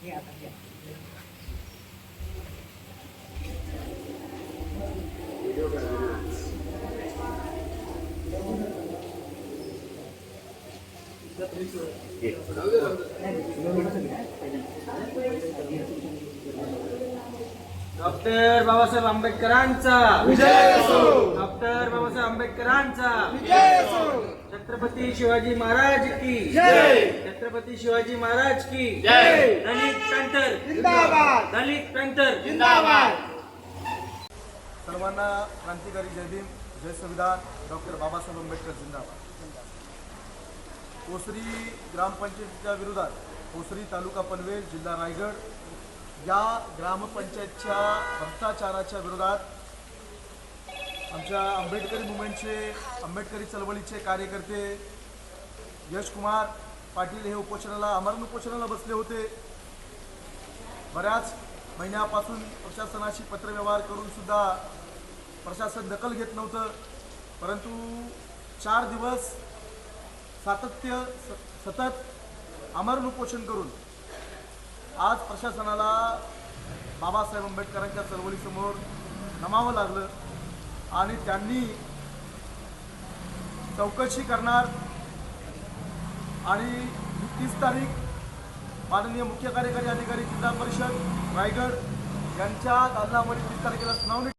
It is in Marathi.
डॉक्टर बाबासाहेब आंबेडकरांचा विजय असो. डॉक्टर बाबासाहेब आंबेडकरांचा विजय असो. छत्रपती शिवाजी महाराज की जय. छत्रपती शिवाजी महाराज की जय. दलित पॅंथर जिंदाबाद. दलित पॅंथर जिंदाबाद. सर्वांना क्रांतिकारी जय भीम, जय संविधान. डॉक्टर बाबासाहेब आंबेडकर जिंदाबाद. ओसरी ग्रामपंचायतीच्या विरोधात ओसरी तालुका पनवेल जिल्हा रायगड या ग्रामपंचायतच्या भ्रष्टाचाराच्या विरोधात आमच्या आंबेडकरी मुवमेंटचे आंबेडकरी चळवळीचे कार्यकर्ते यशकुमार पाटील हे आमरण उपोषणाला बसले होते. बऱ्याच महिन्यापासून प्रशासनाशी पत्रव्यवहार करून सुद्धा प्रशासन दखल घेत नव्हतं. परंतु 4 दिवस सतत आमरण उपोषण करून आज प्रशासनाला बाबासाहेब आंबेडकरांच्या चळवळीसमोर नमावं लागलं आणि त्यांनी चौकशी करणार आणि 30 तारीख माननीय मुख्य कार्यकारी अधिकारी जिल्हा परिषद रायगड यांच्या दालनामध्ये 30 तारखेला सुनावणी